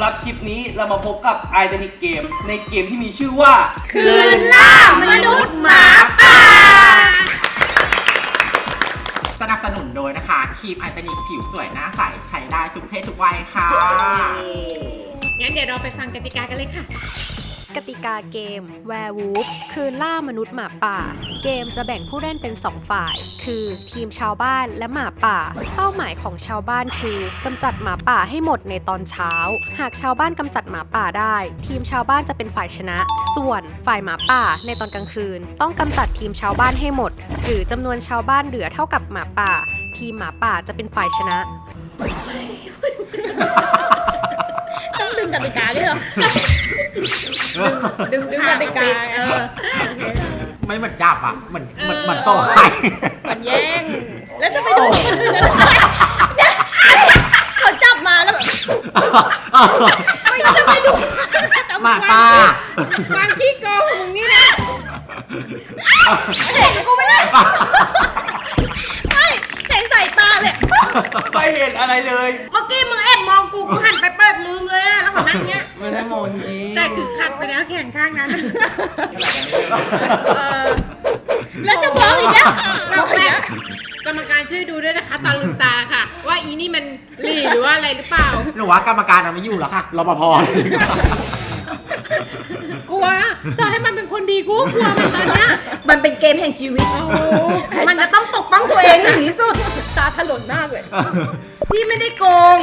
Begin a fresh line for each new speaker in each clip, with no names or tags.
หรับคลิปนี้เรามาพบกับไอดอนิกเกมในเกมที่มีชื่อว่า
คืนล่ามนุษย์หมาป่า
สนับสนุนโดยนะคะครีมไอตานิกผิวสวยหน้าใสใช้ได้ทุกเพศทุกวัยค่ะ
งั้นเดี๋ยวเราไปฟังกติกากันเลยค่ะ
กติกาเกม Werewolf คืนล่ามนุษย์หมาป่าเกมจะแบ่งผู้เล่นเป็น 2 ฝ่าย คือทีมชาวบ้านและหมาป่าเป้าหมายของชาวบ้านคือกำจัดหมาป่าให้หมดในตอนเช้าหากชาวบ้านกำจัดหมาป่าได้ทีมชาวบ้านจะเป็นฝ่ายชนะส่วนฝ่ายหมาป่าในตอนกลางคืนต้องกำจัดทีมชาวบ้านให้หมดหรือจำนวนชาวบ้านเหลือเท่ากับหมาป่าทีมหมาป่าจะเป็นฝ่ายชนะ
ต้องดึงกติกาด้วยเหรอดึงกติกา
ไม่เหมือนจับอ่ะเหมือนโต้ใคร
เหมือนแย่งแล้วจะไปดูเขาจับมาแล้วแบบไม่จะไปดู
หมาป่า
ความขี้โกงมึงนี่นะเห็นกูไม่ได้ไม่ใส่สายตาเลย
ไม่เห็นอะไรเลย
เมื่อกี้มึงแอบมองกูหันไปเปิดลืมเลยอะแล้วขอนั่งเงี้ย
ไม่ได้มองนี้
แต่คือคัดไปแล้วแข่งข้างนั้นแล้วจะบอกอีกแล้วกรรมการช่วยดูด้วยนะคะตาลืมตาค่ะว่าอีนี่มันหลีหรือว่าอะไรหรือเปล่า
หนูว่ากรรมการไม่อยู่แล้วค่ะรปภ
กลัวต่อให้มันเป็นคนดีกูกลัวมันตอนเนี้ย
มันเป็นเกมแห่งชีวิตมันจะต้องปกป้องตัวเองถึงที่สุด
ตาถลนมากเลย
พี่ไม่ได้โกง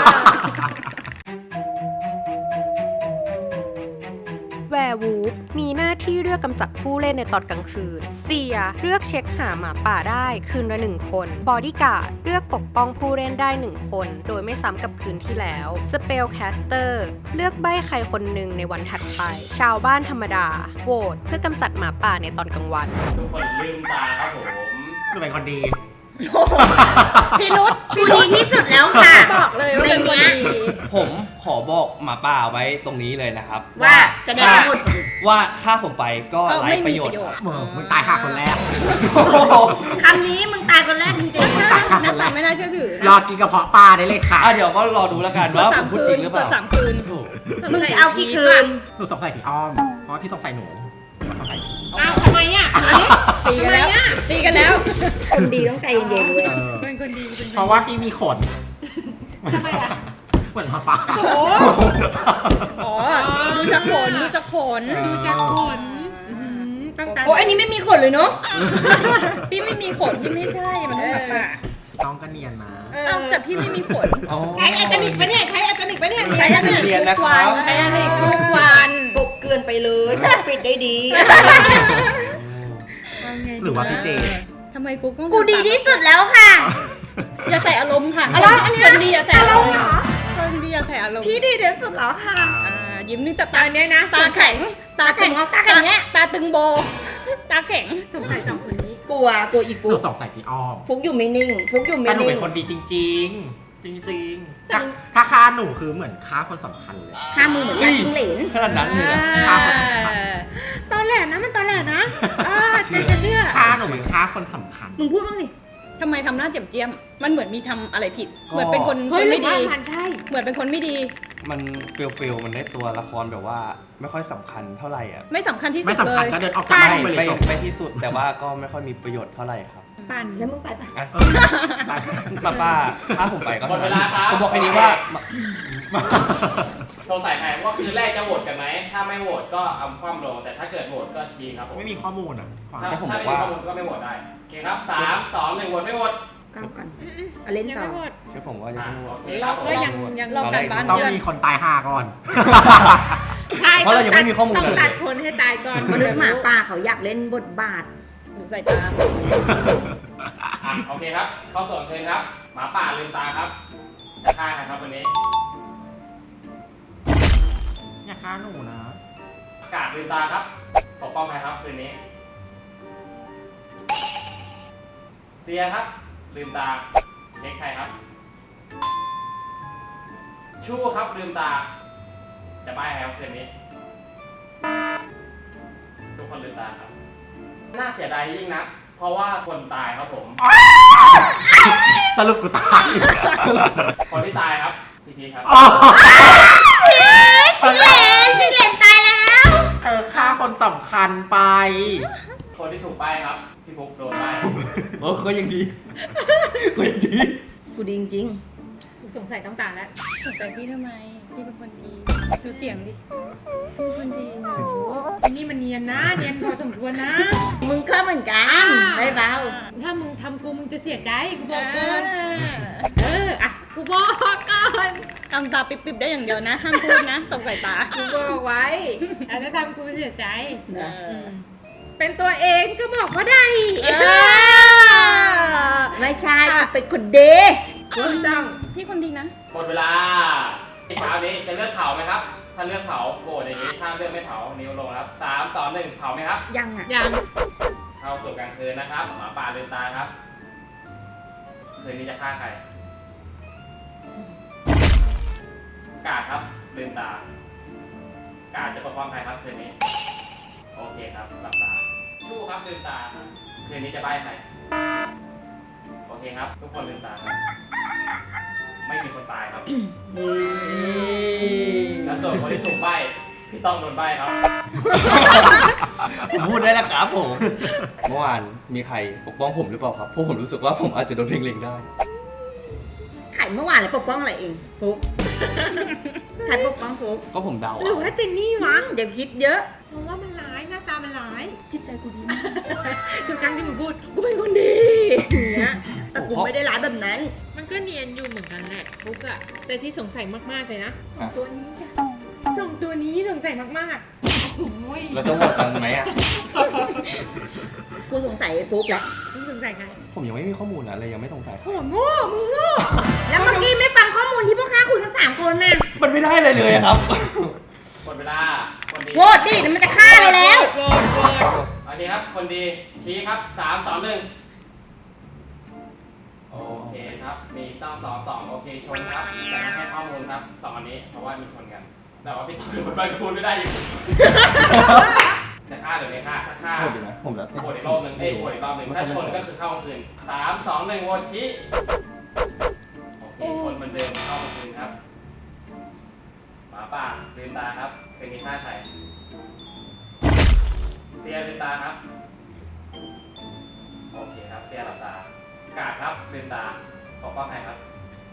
แวร์วูฟมีหน้าที่เลือกกำจัดผู้เล่นในตอนกลางคืนเซียเลือกเช็คหาหมาป่าได้คืนละ1 คนบอดี้การ์ดเลือกปกป้องผู้เล่นได้1 คนโดยไม่ซ้ำกับคืนที่แล้วสเปลแคสเตอร์เลือกใบ้ใครคนหนึ่งในวันถัดไปชาวบ้านธรรมดาโหวตเพื่อกำจัดหมาป่าในตอนกลางวัน
ทุกคนลืมตาครับผม
คือเป็นคนดี
พี่นุช
กูดีที่สุดแล้วค่ะ
บอกเลยว่าเป็นคนดี
ผมขอบอกหมาป่าไว้ตรงนี้เลยนะครับ
ว่าจะได้หมด
ว่าถ้าผมไปก็ไร้ประโยชน์
มึงตายห่าคนแรก
คำนี้มึงตายคนแรกจริงๆ
ตายห่าคนแรก
ไม่น่าเชื่อถือ
รอกินกระเพาะปลาได้เลยค่ะ
เดี๋ยวก็รอดูแล้วกันว่าผมพูดจริงหรือเปล่า
3 คืน
มึงจะเอากี่คืน
หนูสงสัยพี่อ้อมเพราะว่าพี่สงสัยหนู
อ้าวทำไมอ่ะตีกันแล้ว
คนดีต้องใจเย็นๆเลย
เป็นคนดี
เพราะว่าพี่มีขน
ทำไมอ่ะ
เหมือนหมาป่า
อ๋อดูจากขน
โอ้อันนี้ไม่มีขนเลยเนาะ
พี่ไม่มีขนพี่ไม่ใช่มันหมาป่า
ต้องก็เนียนนะ
แต่พี่ไม่มีขนใช้อัตนิกปะเนี่ยใช้อัตนิกทุกวันใช้อัตนิกทุกวัน
กบเกินไปเลยปิดได้ดี
หรือว่าพี่เจ
ทำไมฟุกต้อง
กูดีที่สุดแล้วค่ะ
อย่าใส่อารมณ์ค่ะคนดีอย่าใส่อารมณ์คนดีอย่าใส่อารมณ์
พี่ดีที่สุดแล้วค่ะ
ยิ้มนี่ตาเนี้ยนะตาแข็งเนี้ยตาตึงโบตาแข็งสงสัย2 คนนี้
กลัวอีฟุก
สงสัยพี่อ้อม
ฟุกอยู่ไม่นิ่ง
แต่หนูเป็นคนดีจริงถ้าฆ่าหนูคือเหมือนฆ่าคนสำคัญเลย
ฆ่ามือเหมือนกันจิ้งเหลน
ขนาดนั้นเลยนะ
ฆ่าคนสำคัญ
ตอนแรกนะมันตอนแรกนะใครจะเชื่อ
ฆ่าหนูเหมือนฆ่าคนสำคัญ
มึงพูดบ้างดิ
ทำไมทำหน้าเจียมมันเหมือนมีทำอะไรผิดเหมือนเป็นคนไม่ดีเหมือนเป็นคนไม่ดี
มันฟิลมันได้ตัวละครแบบว่าไม่ค่อยสำคัญเท่าไหร่อ่ะ
ไม่สำคัญที่สุดเลย
ไม่สำคัญก็เดินออกจากบ้าน
ไปที่สุดแต่ว่าก็ไม่ค่อยมีประโยชน์เท่าไหร่ครับ
ปั่น
แล้วมึงไปปะ
ป้าถ้าผมไปก็หมดเวลาครับผมบอกแค่นี้ว่า
สงสัยใครว่าคืนแรกจะโหวตกันไหมถ้าไม่โหวตก็เอาคว่ำลงแต่ถ้าเกิดโหวตก็ชี้ครับผม
ไม่มีข้อมูลอ่ะ
ถ้าไม่มีข้อมูลก็ไม่โหวตได้โอเคครับ3 2 1โหวตไม่โหวต
ก้าวก่อนเล่นต่อ
เชื่อผมว่ายังไม่โหวต
เราก็ยังรอกันบ้าน
ต้องมีคนตาย5ก่อน
เพราะเรายังไม่มีข้อมูล
ต้องตัดคนให้ตายก่อน
มนุษย์หมาป่าเขาอยากเล่นบทบาท
ดูใส่ตา
โอเคครับเข้าส่วนเชิญครับหมาป่าลืมตาครับจะฆ่าใครครับวันนี้
อย่าฆ่าหนูนะ
กาดลืมตาครับปกป้องใครครับคืนนี้เซียครับลืมตาเช็คใครครับชู้ครับลืมตาจะป้ายใครครับคืนนี้ทุกคนลืมตาครับน่าเสียดายยิ่งนะเพราะว่าคนตายครับผม
สรุปกูตาย
คนที่ตายครับพี่ครับ
สำคัญไป
คนที่ถูกป้ายครับ พี่ฟุกโดนป้าย
โอ้ก็ยังดีก็ยังดี
กูดีจริง
กูสงสัยต้องตาแล้ว
สนใจพี่ทำไม พี่เป็นคนดี ดูเสียงดิ พี่เป็นคนดีหนู
อันนี้มันเนียนนะ เนียนพอสมควรนะ
ๆมึงก็เหมือนกันไม่เบา
ถ้ามึงทำกูมึงจะเสียใจกูบอกก่อนอ่ะกูบอกก่อน
ทำตาปิบๆได้อย่างเดียวนะ ห้ามพูดนะส่งสายตา
กูบอกไว้ถ้าทำกูเสียใจ
นะ
เป็นตัวเองก็บอกว่าได้
ไม่ใช่กูเป็นคนดี
ถูกต้อง
พี่คนดีนะ
หมดเวลาที่เช้านี้จะเลือกเผาไหมครับ ถ้าเลือกเผาโหวตอย่างนี้ถ้าเลือกไม่เผานิ้วลงครับ3 2 1เผาไหมครับ
ยังอ่ะ
ยัง
เข้าสู่กลางคืนนะครับหมาป่าลืมตาครับคืนนี้จะฆ่าใครกาดครับลืมตากาดจะปกป้องใครครับคืนนี้โอเคครับหลับตาชู้ครับลืมตาครับคืนนี้จะใบ้ใครโอเคครับ ทุกคนลืมตาครับไม่มีคนตายครับแล้วส่วนคนที่ถูกใบ้พี่ต้องโดนใบ้ครับ
ผมพูดได้แล้วครับผม เมื่อวานมีใครปกป้องผมหรือเปล่าครับเพราะผมรู้สึกว่าผมอาจจะโดนเล็งๆได้
ไข่เมื่อวานเลยปกป้องอะไรเองฟุกใครปกป้องฟุก
ก็ผมเดา
หรือว่าเจนนี่วะ
อย่าคิดเยอะ
เพราะว่ามันร้ายหน้าตามันร้าย
จิตใจกูดีมาก
ทุกครั้งที่มึงพูดกูเป็นคนดีอย่างเงี้ย
แต่กูไม่ได้ร้ายแบบนั้น
มันก็เนียนอยู่เหมือนกันแหละฟุกอะแต่ที่สงสัยมากๆเลยนะ
อ่ะ
ตัวนี้จ้ะสองตัวนี้สงสัยมากๆโอ้ย
เราจะโหวตกันไหมอ่ะ
กูสงสัยไอ้ฟุกแหละ
มึงสงสัยใคร
ผมยังไม่มีข้อมูลนะเลยยังไม่สงสัย
โอ้โหโง่มึงโง่
แล้วเมื่อกี้ไม่ฟังข้อมูลที่พวกข้าคุยกัน3 คนน่ะ
มันไม่ได้เลยเลยอะครับ
หมดเวลาคนดี
โหวตดิเดี๋ยวมันจะฆ่าเราแล้ว
โหวตโหวต
โอเคครับ คนดีชี้ครับ3 2 1โอเคครับ มีต้อง2 โอเคชนครับแต่ไม่ให้ข้อมูลครับ2อันนี้เพราะว่ามีชนกัน แต่ว่าพี่ต้องโดนใบพูดไม่ได้อยู่ จะฆ่าหรือไม่ฆ่าถ้าฆ่า
โหวตอยู่นะผมแล้วแต่
โหวตอีกรอบหนึ่งโหวตอีกรอบหนึ่งถ้าชนก็คือเข้ากลางคืน3 2 1โหวตชี้โอเคชนเหมือนเดิมเข้ากลางคืนครับหมาป่าลืมตาครับเป็นมีฆ่าใครเสียลืมตาครับโอเคครับเสียหลับตากาดครับลืมตาปกป้องใครครับ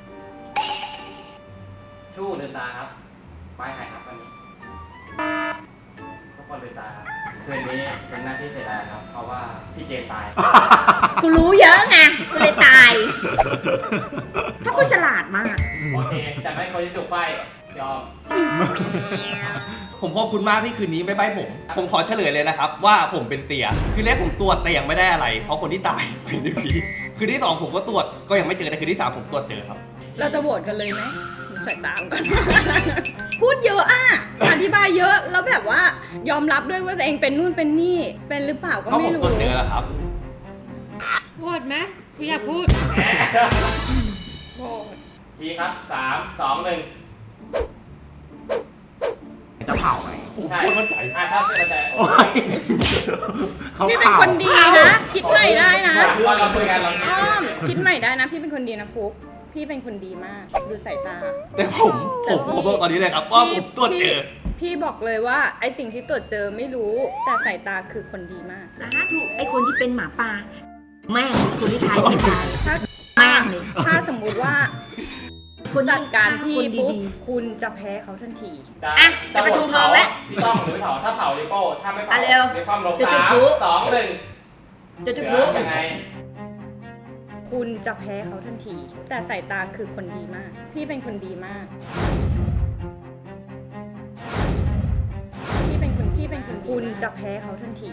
ชู้ลืมตาครับป้ายใครครับวันนี้ทุกคนลืมตาครับคืนนี้เป็นหน้าที่เสียดายครับ เพราะว่าพี่เจนตาย
กูรู้เยอะไง กูเลยตาย เพราะกูฉลาดมาก
โอเคจะไม่คนที่ถูกป้ายยอม
ผมขอบคุณมากที่คืนนี้ไม่ใบ้ผม ผมขอเฉลยเลยนะครับว่าผมเป็นเสีย คืนแรกผมตรวจแต่ยังไม่ได้อะไร เพราะคนที่ตายเป็นผีคืนที่ 2ผมก็ตรวจก็ยังไม่เจอแต่คืนที่ 3ผมตรวจเจอครับ
เราจะโหวตกันเลยไหมดูสายตามกัน พูดเยอะอ่ะ อธิบายเยอะ แล้วแบบว่ายอมรับด้วยว่าตัวเองเป็นนู่นเป็นนี่ เป็นหรือเปล่าก็
เพราะผ
ไม่
ม
รู้
ตรวจเจอแล้วครับ
โหวตไหมกูอยากพูด
โหวต
ชี้ครับ3 2 1
จะเผาไหม
ใช่
พูดมั่นใจ
ถ้าเสียใจโอ
โอ้
เค
ยเขา
พี่เป็น
เผา
คนดีนะ คิดใหม่ได้นะ
เราคุยกันเราคุย
อ้อ
กั
ม
น
คิดใหม่ได้นะ พี่เป็นคนดีนะฟุก พี่เป็นคนดีมาก ดูสายตา
แต่ผมบอกตอนนี้เลยครับว่าผมตรวจเจอ
พี่บอกเลยว่าไอสิ่งที่ตรวจเจอไม่รู้ แต่สายตาคือคนดีมาก
สาธุไอคนที่เป็นหมาป่าแม่งคนที่ทายไม่ตาย
ถ้า
แม่งเลย
ถ้าสมมุติว่า
คน
จัดการพี่
คน
ปุ๊บ
ดี
คุณจะแพ้เขาทันที
อ่ะจะประชุมเพลิงแล้ว
พี่ต้องหรือไม่เผาถ้าเผาลิโก้ถ้าไม่เผา
อ่ะเร็ว
ในความลบ
จุด
3
พลุ
2
ๆจะ
1
จุด
เห
พ
ลื
ลุ
อยังไง
คุณจะแพ้เขาทันที แต่สายตาคือคนดีมาก พี่เป็นคนดีมาก พี่เป็นคนคุณจะแพ้เขาทันที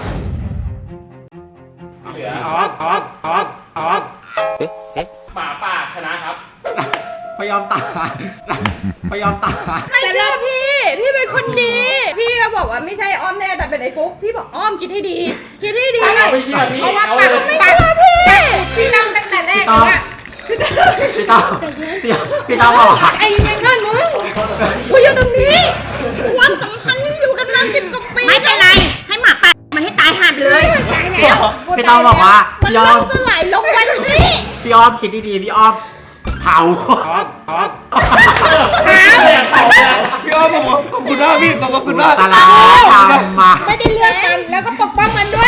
เหลือ
ออกออกออกออก
หมาป่าชนะครับ
พยายามตายพยายามตาย
ไม่เชื่อพี่ พี่เป็นคนดี พี่ก็บอกว่าไม่ใช่อ้อมแน่แต่เป็นไอ้ฟุก พี่บอกอ้อมคิดให้ดี คิดให้ดี
ถ้าไม่เชื่อพี่
เพราะว่า
เอา
ปาก
เลย
ไม่เชื่อพี่
พี่ตั้งตั้งแต่แรก
พี่
เลย
ต้อ
อะ
พี่ต้อบอกว่า
ไอ้ยังเงินมึง
กูอยู่ตรงนี้ ความสัมพันธ์นี่อยู่กันมา10 กว่าปี
ไม่เป็นไร ให้หมาป่ามันให้ตายห่าไปเลย
พี่ต้อบอกว่า
มัน
พี่อ้
ล่
อ
ม
ม
สลายลงวันนี้
พี่อ้อมคิดดีๆพี่อ้อมเผา
เผาเลย
พี่อ้อผมขอบคุณมากพี่ขอบคุณมาก
ตาลาทำมา
ไม่ได้เลือกกันแล้วก็ปกป้องมันด้วย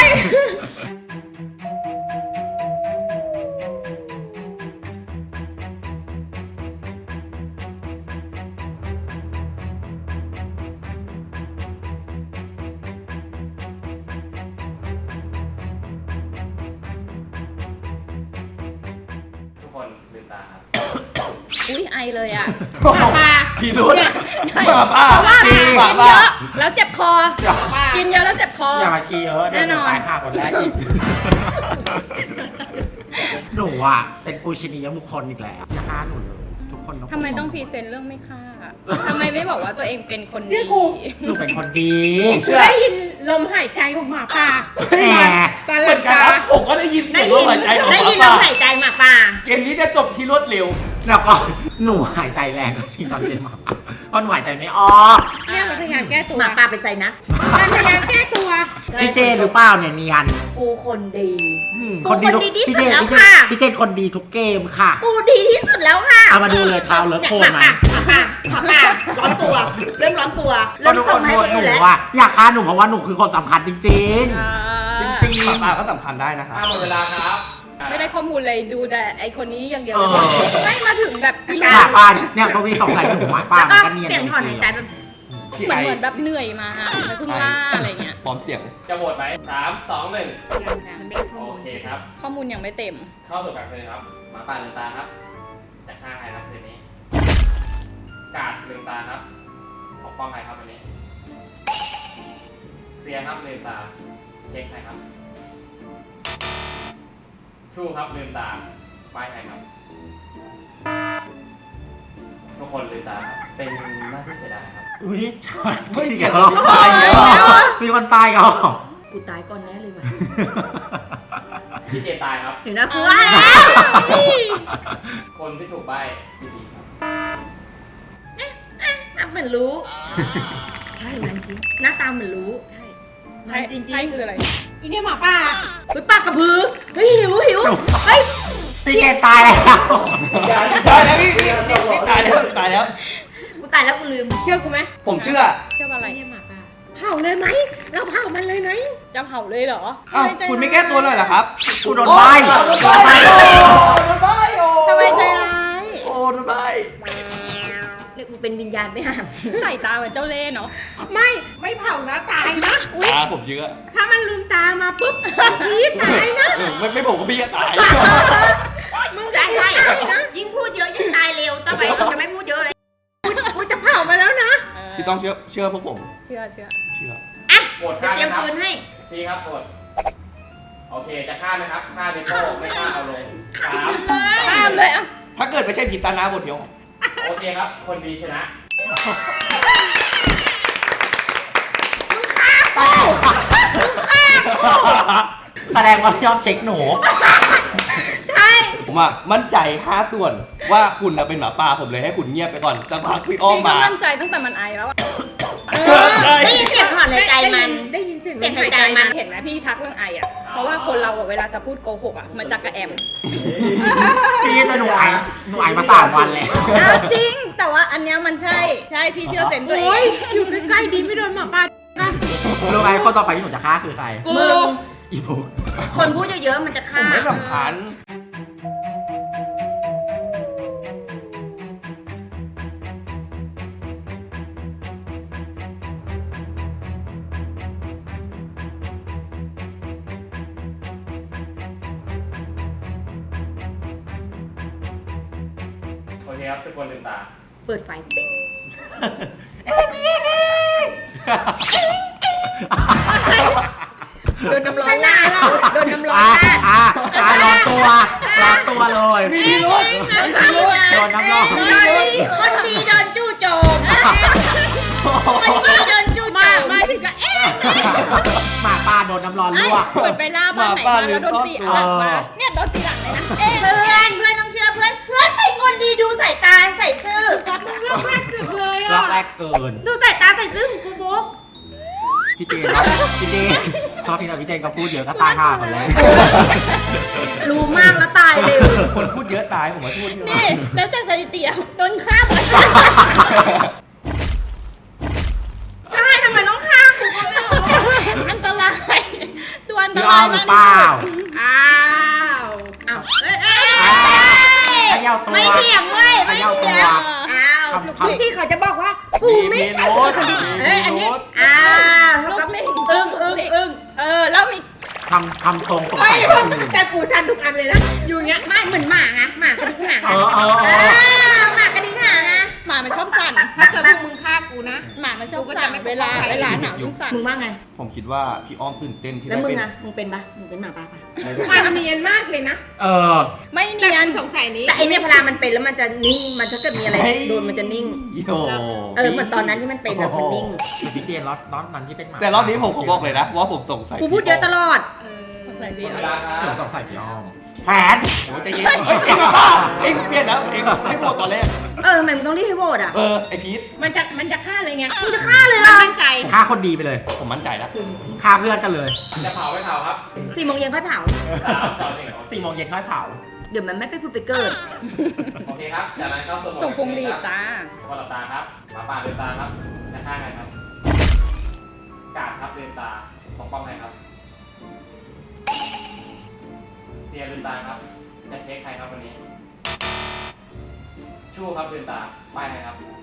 ทุกคนลืมตาครับ
อุ้ยไอเลยอ่ะ
มา
พี่รุ้นหมาป้า
เพราะว่า
พี่
กิน
หมา
เย
ป้า
อะแล้วเจ็บคอ กินเยอะแล้วเจ็บคอ
อย่ามาชี้เยอะเดี๋ยวหนูตายห่าคนแรกอีกหนูอ่ะเป็นปูชนียบุคคลอีกแล้วอย่าฆ่าหนูเลยทุกคน
ทำไมต้องพรีเซนต์เรื่องไม่ฆ่าทำไมไม่บอกว่าตัวเองเป็นคนดี
ชื่อกู
หนูเป็นคนดี
ได้ยินลมหายใจของหมาป่า
แหม
ตอนห
เห
ลั
มือบ นกัน
ตา
ครับผมก็ได้ยิน
ได้
เสียง
ยิ
ลมหายใจของห
ได้
มา
ยินล
ป้าม
หายใจหมาป่า
เกมนี้จะจบที่รวดเร็ว
แล้วก็หนูหายใจแรงจริงตอนเป็นหมาป่าเพราะหนูหายใจไม่ออก
เนี่ยมันพยายามแก้ตัว
หมาป่าเป็นใจนะ
มันพยายามแก้ตัว
ไอเจนหรือเปล่าเนี่ยเนียน
กูคนดี
คนดีทุก
กูคนดีที่
พี่
สุ
เจ
ด
น
แล้ว
พี่เจน
ค่ะ
พี่เจนคนดีทุกเกมค่ะ
กูดีที่สุดแล้วค่ะ
เอามาดูเลยเท้าเลิกโคนไหม
หมาป่าร้อนตัว เริ่มร้อนตัว
ก็
เริ่ม
ทุกค
ส่ง
น
ให้
โหว
ค
ต
น
หนู
อื่นแล้ว
ว่าอยากฆ่าหนูเพราะว่าหนูคือคนสำคัญจริง
อ่า
จริง
หมาป้าก็สำคัญได้นะครับ
หมดเวลาครับ
ไม่ได้ข้อมูลเลยดูแต่ไอคนนี้อย่างเดียว
เอ
เลย
อ
ไม่มาถึงแบบพี่
ๆ
ลู
หมาป่าเนี่ยก็มีสงสัยหนูหมาป่า
แล้ว
มัน
ก็
ก็เนียน
เสียงถอนหายใจแบบ
พี่
เหมื
ไอ
อนเหมือนแบบเหนื่อยมาแล้วเพิ่งล่าอะไรเงี้ย
พร้อมเสียง
จะโหวตไหม3 2 1
มันไม่ได้ข้อ
โอ
มูล
เคครับ
ข้อมูลยังไม่เต็ม
เข้าสู่การเพลงครับหมาป่าลืมตาครับ จะฆ่าใครครับคืนนี้ กาดลืมตาครับปกป้องใครครับวันนี้ เสียครับลืมตา เช็คใครครับ ชูครับลืมตาป้ายใครครับ ทุกคนลืมตาครับ เป็นหน้าที่เสียดายครับ
อุ้ยชอน
เฮ้ย
เกี่ยวกับ
ตายแล้ว
มีคนตายกันเหรอ
กูตายก่อนแน่เลยว่ะ
พี่เจตายครับ
เห็นนะกูว่าแล้ว
คนที่ถูกใบ้พี่ดีครับ
เหมือนรู้ ใช่มันจริงหน้าตาเหมือนรู้ ใช่
ใช่
จริง
ใช่คืออะไร
อีเนี่ยหมาป่า
เฮ้ยปากกระพือเฮ้ยหิวเฮ้ย
พี่เจนตายแล้ว
ตายแล้วพี่ตายแล้วตายแล้ว
กูตายแล้วกูลืม
เชื่อกูไหม
ผมเชื่อ
เชื่อว่าอะไร
ไอ้เนี่ยหมาป่าเผาเลยไหมเราเผามันเลยไหม
จะเผาเลยเหรอ
อ้าวคุณไม่แก้ตัวหน่อยเหรอครับ
กูโดนใบ้
โดนใบ้โดนใบ้โอ้
ทำไมใจร้าย
โอ้โดนใบ้
เนี่ยกูเป็นวิญญาณไปหา
ใส่ตาเหมือนเจ้าเล่ห์เนาะ
ไม่เผานะตายนะ
อุ๊ย
ตาผมเชื่อ
ถ้ามันลืมตามาปุ๊บพีดตายนะ
ไม่ผมก็พี่จะตาย
มึงจะใช่ยิ่งพูดเยอะยิ่งตายเร็วต่อไปมึงจะไม่พูดเยอะเลย
กูจะเผามาแล้วนะ
พี่ต้องเชื่อพวกผม
เชื่อ
เชื่อ
โหวต
จะ
ฆ่า
เตรียม
ไหมครับ
ปืนให้
ชี้ครับโหวตโอเค จะฆ่าไหมครับ ฆ่าเดโต้ไม่ฆ่าเอาลง3
ตามเลยอ่ะ
ถ้าเกิดไม่ใช่ผีตานาบทเดียว
โอเคครับ คนดีชนะ
แสดงว่าชอบเช็คหนู
ผมอะมั่นใจ5 ส่วนว่าคุณน่ะเป็นหมาป่าผมเลยให้คุณเงียบไปก่อนสักพักพี่อ้อม
พี่ก็
มา
มั่นใจตั้งแต่มันไอแล้วอะ
ใช่
ได้ยินเสียงถอนหายใจมัน
ได้ยินเสียง
เสียงหายใจมัน
เห็นไหมพี่ทักเรื่องไออ่ะ เพราะว่าคนเราอะเวลาจะพูดโกหกอ่ะมันจะกระแอม
พี่แต่หนูไอมา3 วันแล้ว
อ้าวจริง แต่ว่าอันเนี้ยมันใช่พี่เชื่อเซนตัวเอ
โอ้ย
ง
อยู่ใกล้ๆดีไม่โดนหมาป่านะ
รู้ไหมคนต่อไปที่หนูจะฆ่าคือใคร
กู
อีบุ๊ก
คนพูดเยอะๆมันจะ
ผ
ฆ่าม
ไม่สำคัญ
โอเคครับ ทุกคนลืมตา
เปิดไฟปิ๊ง
โดนน้ำร้อนลาดโดนน้ำร้อนลาด
ร้อนตัวเลย
มีรถ
โดนน้ำร้อน
คนดีโดนจู่โจมคนดีโดนจู่โจม
มาถึงกับเอ๊ะ
หมาป่าโดนน้ำร้อนลวก
เหมือนไปล่าบ้านไหนมาแล้วโดนตีหลังมาเนี่ยโดนตีหลังเลยนะ
เพื่อนต้องเชื่อเพื่อนเป็นคนดีดูสายตาใส่ซื่อ
เรื่องแรกสุดเลย
ล็อ
อ่ะ
กแรกเกิน
ดูสายตาใส่ซื่อของกูบุ๊ก
พี่เจนเนาะพี่เจนพอพี่กับพี่เจนก็พูดเยอะก็ตายห่าคนแรก
รู้มากแล้วตายเร็ว
คนพูดเยอะตายผมว่าพูดเยอะ
นี่แล้วจากสถิติอะโดนฆ่าหมด
ทุกที่เขาจะบอกว่ากูไม่
มี
ใช่
โน้ต
คนดี
มี
เอ้ยอันนี้
โน้ต
เท่ากับ
ลูกลิง
อึ้ง
แล้วมี
ทำตรงสง
ไม่
สัยคนอื่น
แต่กูสั่นทุกอันเลยนะ อยู่อย่างเงี้ย
ไม่เหมือนหมาไงหมากระดิกหาง
เออเออเออ
หมากระดิกหางนะ
หมามันชอบสั่น
ถ้าเกิดพวกมึงฆ่ากูนะ
หมามันชอบ
กูก็จะ
สั่น
ไม่
เวลา
ปกป้องใคร
เวลาหนาวมันสั่น
มึงว่าไง
ผมคิดว่าพี่อ้อมตื่นเต้นที่
แล้ว
ได้
มึง
เป็น
อะมึงเป็นปะมึงเป็นหมาป่าปะ
มันเนียนมากเลยนะ
เออ
ไม่
แต่
เนียน
กูสงสัยนี้
แต่ไอเนี่ยเวลามันเป็นแล้วมันจะนิ่งมันถ้าเกิดมีอะไรโดนมันจะนิ่ง
โย
เหมือนตอนนั้นที่มันเป็นอะมันนิ่ง
คือพี่เจนล็อตนั้นที่เป็นหมา
แต่รอบนี้ผมขอบอกเลยนะว่าผมสงสัย
กูพูดเยอะตลอด
ใส่
หม
ดี
ดเวลาค
ผม
รับ
สงสัยพี่อ้อมแผน
โอ้ยใจเย็นเอ็งเปลี่ยนแล้วเอ็งให้โหวตตอนแรก
ทำไมมึงต้องรีบให้โหวตอะ
ไอพีท
มันจะฆ่าเลยไง
มึงจะฆ่าเลยเหร
มัน
อ
มั่นใจ
ฆ่าคนดีไปเลย
ผมมั่นใจแล้ว
ฆ่าเพื่อนกันเลย
จะเผาไม่เผาครับ
4 โมงเย็นค่อยเผา
3 2 1
4 โมงเย็นค่อยเผา
เดี๋ยวมันไม่ไปพูดไปเกิด
โอเคครับ จากนั้นเข้าสู่โหมด
ส่งพวงหรีดจ้า
คนหลับตาครับหมาป่าลืมตาครับจะฆ่าใครครับ กาดครับลืมตาปกป้องใครครับ เสียลืมตาครับ จะเช็คใครครับวันนี้ ชู้ครับลืมตาป้ายใครครับทุก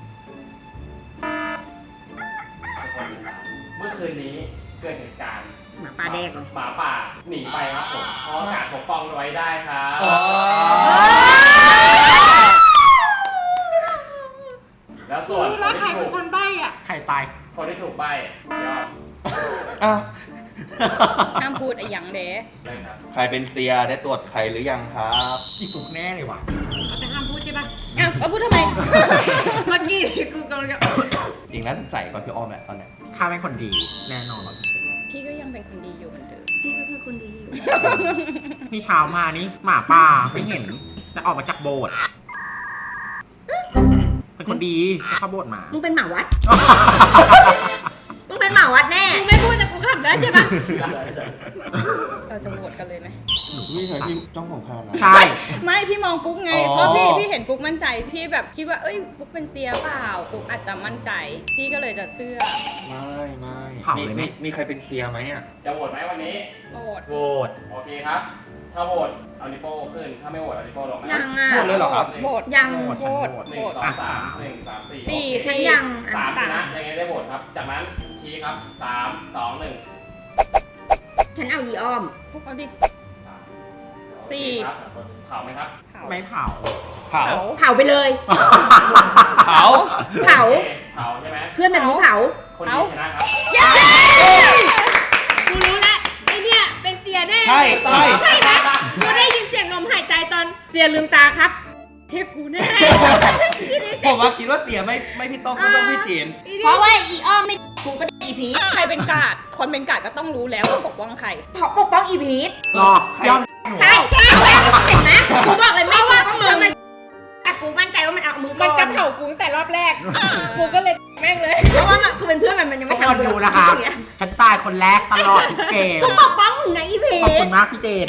คนลืมตาเมื่อคืนนี้เกิดเหตุการณ์
หมาป่าแดกเหรอ
หมาป่าหนีไปครับผมเพราะกาดปกป้องไว้ได้ครับ แล้วส่วน
รู้
ค
แล้ว
น
ใคร
ที่
เป็
ถู
น
ก
คนใบ้อะ
ใครตาย
คนที่ถูกใบยอม
อ้าว
ห้ามพูดไอ้หยังเด้
เลยครับ
ใครเป็นเซียได้ตรวจใครหรือยังครับ
อีฟุกแน่เลยว่ะ
แต่ห้ามพูดใช่ปะ
อ้าวแล้วพูดทำไม
เมื่อกี้กูกำลังจะ
จริงแล้วสงสัยก่อนพี่อ้อมแหละตอนเนี้ย
ฆ่าเป็นคนดีแน่นอน100%
พี่ก็ยังเป็นคนดีอยู่เหมือนเดิม
พี่ก็คือคนดีอยู่
นี่เช้ามานี่หมาป่าไม่เห็นแล้วออกมาจากโบสถ์เป็นคนดีเข้าโบสถ์มา
มึงเป็นหมาวัด มึงเป็นหมาวัดแน่
กูไม่พูดแต่กูขำได้ใช่ปะ
เราจะโหวตกันเลยไหม
นี่ไงพี่จ้องผมขนาดนั้น
ใช่
ไม่พี่มองฟุกไง
อ๋อ
เพราะพี่เห็นฟุกมั่นใจ พี่แบบคิดว่า เอ้ยฟุกเป็นเซียเปล่าฟุกอาจจะมั่นใจ พี่ก็เลยจะเชื่อ
ไม่มีใครเป็นเซียไหมอ่ะ
จะโหวตไหมวันนี้
โหวต
โบสถ์
โอเคครับ ถ้าโหวตเอานิวโป้ขึ้น ถ้าไม่โหวตเอานิวโป้ลงนะ
ยังอ่ะ
หมดเลยเหรอครับ
โหวต
ยัง
โหวต
ห
โห
นึ่ง
วต
สองสามหนึ่งสามสี่
สี่
โอเค
ฉันยัง
สามชนะยังไงได้โหวตครับ จากนั้นชี้ครับ3 2 1
ฉันเอาอีอ้อม
ฟุกเอาดิ
3
สี่
ครับเผาไหมครับ
เผา
ไม่เผา
เผา
เผาไปเลย
เผา
เผา
โอคเผาใช่ไหม
เพื่อนแบบนี้เผา
คนดีชนะครับ
กูรู้แล้วไอเนี่ยเป็นเสียแน่
ใช่ใช่
ไม่นะกูได้ยินเสียงลมหายใจตอนเสียลืมตาครับ เชฟกูแน่
ผมว่าคิดว่าเสียไม่พี่ต้องพี่เจน
อีนี่
เพราะว่าอีอ้อมไม่กูก็ได้อีพีท
ใครเป็นกาด คนเป็นกาดก็ต้องรู้แล้วว่าปกป้องใคร
เพราะปกป้องอีพีท
รอ ยอม
ใช่ใช่เห็นไหมกูบอกเลยไม่ว่าก็มึงแต่กูมั่นใจว่ามันเอามือ
มัน
ก่
จะ
อน
เผากูตั้งแต่รอบแรก กูก็เลยแม่งเลย
เพราะว่ามันคือเป็นเพื่อนมันยัง
ทุ
ไม่
กคน
ทำ
ดูนะครับ ฉันตายคนแรกตลอดทุกเกม
กูปกป้องมึงนะอีพี
ขอบ
ท
คุณมากพี่เจน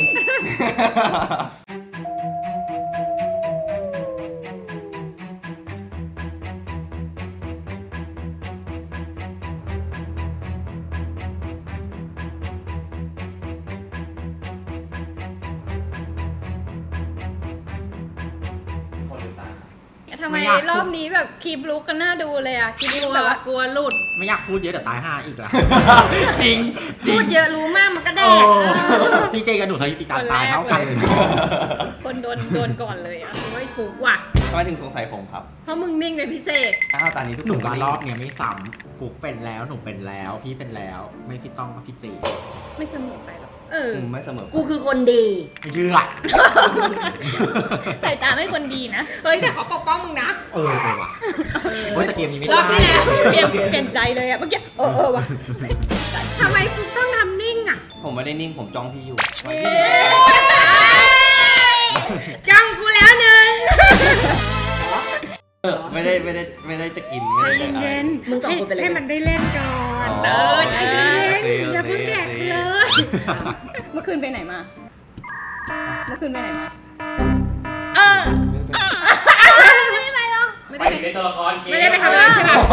คนลืมตา
ทำไม
ไม่อยาก
รอบนี้แบบคลิปลุกกันน่าดูเลยอะคลิป
ก
ลุ
ลั
ก
ว
แบบว่า
กลัวหลุด
ไม่อยากพูดเยอะเดี๋ยวตาย5อีกแล้ว
จริงจริ
พู
ง
ดเยอะรู้มากมันก็แด
โอ้
ก
พี่เจกับหนูสถิติการตายเท่ากันเลย
คนโดนก่อนเลยอะ
โอ้ยฟูกว่ะ
ทำไมถึงสงสัยผมครับ
เพราะมึงนิ่งเป็นพิเศษ
อ้าวตอนนี้ทุก
หนู
คนก็
มา
นิ่ง
รอบเนี้ยไม่ซ้ำฟุกเป็นแล้วหนูเป็นแล้ว พี่เป็นแล้ว ไม่พี่ต้องก็พี่เจ
ไม่เสมอไปหรอก
เออ
ไม่เสมอ
กูคือคนดี
ไม่เชื่อ
ใส่ตาไม่คนดีนะ
เฮ้ยแต่เขาปกป้องมึงนะ
เออว่ะเฮ้ยแต่เกมนี้ไม่
รอบ
ได้
ที่แล้ว
เปลี่ยนใจเลยอะเมื่อกี้เออว่ะ
ทำไมกูต้องทำนิ่งอ่ะ
ผมไม่ได้นิ่งผมจ้องพี่อยู่
จ้องกูแล้วหนึ่ง
ไม่ได้จะกินไม่ได้จะอะไร
มึงสองคนเป็นอะไรกัน
ให้มันได้เล่นก่อน
อ๋อ
เออใจเย็น
โอเค
อย่าเพิ่งแดกเลย
เมื่อคืนไปไหนมา เมื่อคืนไปไหนมา
เออ
ไปถึงในตัวละครเกม
ไม่ได้ไปทำอะไรใช่ปะ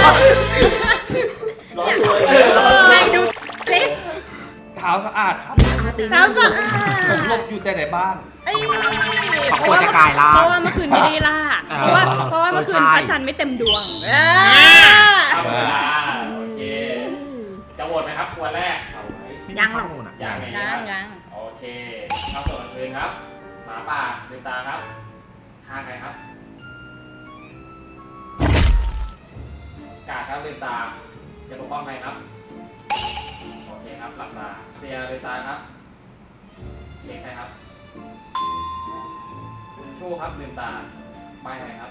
ร้อนตัว
ไหนดูสิ
เท้าสะอาดครับ
เอาตีน
เท้าสะอา
ผมหล
ด
บอยู่แต่ในบ้าน
ไอ้
อ้ย
ขอบคุณจะกลายร่าง
เพราะว่าเมื่อคืนไม่ได้ล่า
เออ
เพราะว่าเมื่อคืน
ใช่
พระจันทร์ไม่เต็มดวง
เอาเวลาโอเค จะโหวตไหมครับควรแรก
ยังหรอก
ยังไง
ยั
ครับ
งยัง
โอเคเข้าสู่กลางคืนครับ หมาป่าลืมตาครับฆ่าใครครับ กาดครับลืมตา จะปกป้องใครครับ โอเคครับหลับตาเสียลืมตาครับเช็คใครครับ ชู้ครับลืมตาใบใครครับ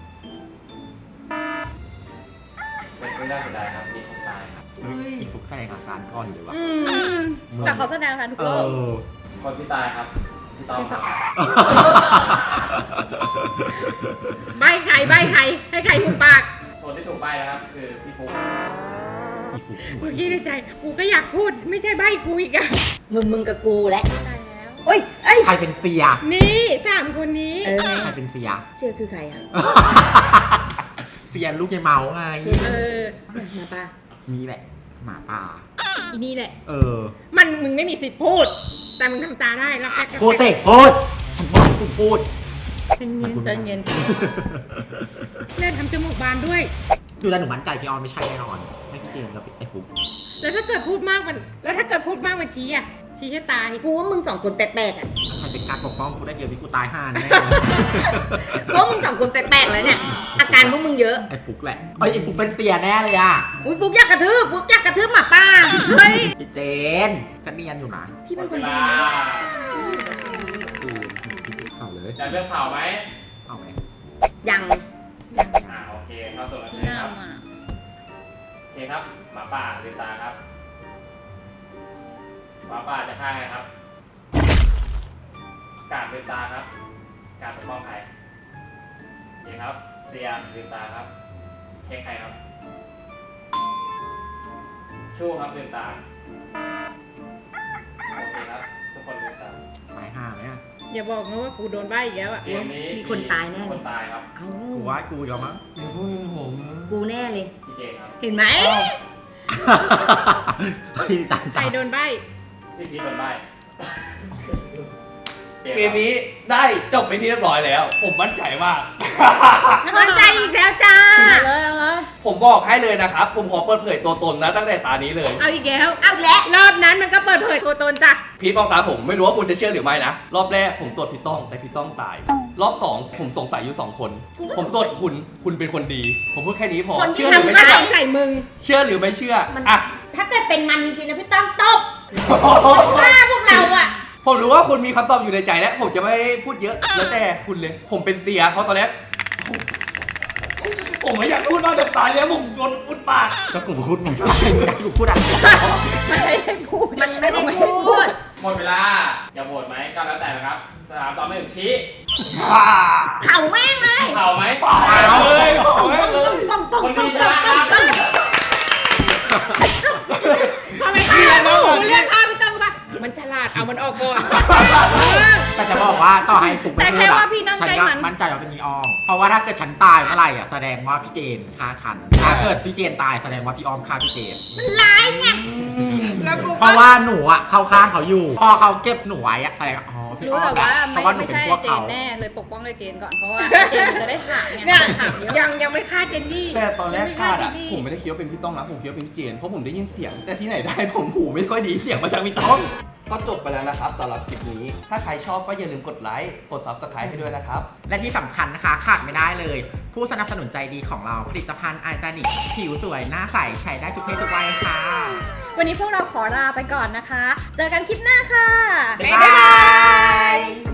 เป็นเรื่องเสียดายครับมีคนตายครับ
เฮ้ยอีฟุกแสดงอาการก่อนอยู่เลยวะ
อืมแต่เขาแสดงค่ะทุก
เอ
รอบ
อ
คนที่ตายครับพี่ต้อมครับ
ใบใครให้ใครหุบปาก
คนที่ถูกใบนะครับ คือพี่ฟุ๊ก
อีฟุก
เมื่อกี้ในใจกูก็อยากพูดไม่ใช่ใบกูอีกอะ
มึงกับกูแหละ
ตายแล้ว
เอ้ย
ใครเป็นเสีย
นี่สามคนนี้
เออไง
ใครเป็นเสีย
เสื้อคือใครอ่ะ
เสียลูกยายเมาไง
เออ
มาป่ะ
นี่แหละ หมาป่า
อีนี่แหละ
เออ
มึงไม่มีสิทธิ์พูด แต่มึงทำตาได้แล้วแป๊ก
พูดสิพูด ฉันบอกให้คุณพูด
เย็น
ใจเย็น
เล่นทำจมูกบานด้วย
ดูแลวหนูมั่นใจพี่ออนไม่ใช่แน่นอน ไม่พี่เจมส์กับไอ้ฟุก
แล้วถ้าเกิดพูดมากมันชี้อะชี้ให้ตาย
กูว่ามึงสองคนแปลกๆอ่ะ
ใครเป็นการปกป้องกูได้เดียวที่กูตายห่าแน่เลย
ก็มึงสองคนแปลกๆแล้วเนี่ย อาการพวกมึงเยอะ
ไอ้ฟุกแหละเอ้ยไอ้ฟุกเป็นเสียแน่เลยอ่ะ
อุ้ยฟุกอยากกระทืบหมาป่าเฮ้ย
พี่เจนก็เนียนอยู่นะ
พี่
หม
เป็น
ด
ค
เวน
ดี
ลา
นะ
เอาเลย
จะเลือกเผาไหม
เอาไหม
ยัง
โอเคเข้าสู่กลาง
ที่
คืน
หน้า
ครับ
มา
โอเคครับ หมาป่าลืมตาครับ หมาป่าจะฆ่าใครครับ กาดลืมตาครับ กาดปกป้องใครโอเคครับ เสียลืมตาครับ เช็คใครครับ ชู้ครับลืมตา โอเคครับ ทุกคนลืมตา
ตายห่าไหมอ่ะ
อย่าบอกนะว่ากูโดนใบอีกแล้วอะ
เกมนี้
มีคนตายแน่
ค
เลย
นตายครับ
เอ้า
กูว่ากูยอมมั้ง
กูแน่เลย
พี่เจนครับ
เห็นไหม
พี่ตาย
ใครโดนใบ
พี่พีทโดนใบ
เกมนี้ได้จบไปที่เรียบร้อยแล้ว ผมมั่นใจมาก
มั่นใจอีกแล้วจ้า
เอาเลยเอาเลย
ผมบอกให้เลยนะครับ ผมขอเปิดเผยตัวตนนะตั้งแต่ตานี้เลย
เอาอีกแล้ว
เอาแล้ว
รอบนั้นมันก็เปิดเผยตัวตนจ้ะ
พีทมองตาผมไม่รู้ว่าคุณจะเชื่อหรือไม่นะ รอบแรกผมตรวจพี่ต้องแต่พี่ต้องตาย รอบสองผมสงสัยอยู่2 คน ผมตรวจคุณเป็นคนดี ผมพูดแค่นี้พอ
คนที่
เชื่อหรือไม่
ทำ
เชื่
ร้า
อย
ใส่มึง
เชื่อหรือไม่เชื่อ
มัน
อ่ะ
ถ้าเกิดเป็นมันจริงๆนะพี่ต้องตบฆ่าพวกเราอ่ะ
ผมรู้ว่าคุณมีคำตอบอยู่ในใจแล้ว ผมจะไม่พูดเยอะแล้วแต่คุณเลย ผมเป็นเสียเพราะตอนแรกผมไม่อยากพูดมากแต่ตายแล้วผมโดนอุดปาก
ก็กูพูดไงกูพูดอะไร
ไม่ได้พูด
มันไม่ได้พูด
หมดเวลา อย่าโหวตไหมก็แล้วแต่นะครับ3 2 1ชี้
เผาแม่งเลย
เผาไหม
ปากเลยโอ้ยเลย
ป้องป้อง
คน
ป้
ดี
อง
ชนะครับ
ทำไมฆ่ามึงเรียกฆ่าพี่ต้องปะมันฉลาดเอามันออกก่อน
แต่จะบอกว่าต่อให้ฟุกไม่
แต่
พู
แค่
ด
ว่า
อ่ะ
พี่นั่ง
ฉัน
ใกล้
ก็
มัน
มั่นใจว่าเป็นนีออม เพราะว่าถ้าเกิดฉันตายเมื่อไหร่อ่ะแสดงว่าพี่เจนฆ่าฉัน ถ้าเกิดพี่เจนตายแสดงว่าพี่ออมฆ่าพี่เจน
แล้วกู
เพราะว่าหนูอ่ะเข้าข้างเขาอยู่ พอเขาเก็บหนูไว้อ่ะแสดงว่าอ๋อพี่อ
รู้
อม
แต่ว่า
เพราะว่าหนู
ไม่
เป็น
ใช่
พวก
เจ
เขา
นแน่เลยปกป้องเลยเจนก่อนเพราะว่าเจนจะได้ถามไง
เนี่ย
ถามเยอะ
ยังไม่ฆ่าเจนนี่
แต่ตอนแรกคาดอ่ะ
ยัง
ผม
ไม่
ไม่ได้คิดว่าเป็นพี่ต้องนะผมคิดว่าเป็นพี่เจนเพราะผมได้ยินเสียง แต่ที่ไหนได้ผมหูไม่ค่อยดีเสียงมาจากพี่ต้องก็จบไปแล้วนะครับสำหรับคลิปนี้ ถ้าใครชอบก็อย่าลืมกดไลค์กด Subscribe ให้ด้วยนะครับ
และที่สำคัญนะคะขาดไม่ได้เลย ผู้สนับสนุนใจดีของเราผลิตภัณฑ์ไอตานิกผิวสวยหน้าใสใช้ได้ทุกเพศทุกวัยค่ะ
วันนี้พวกเราขอลาไปก่อนนะคะ เจอกันคลิปหน้าค่ะ
บ๊ายบาย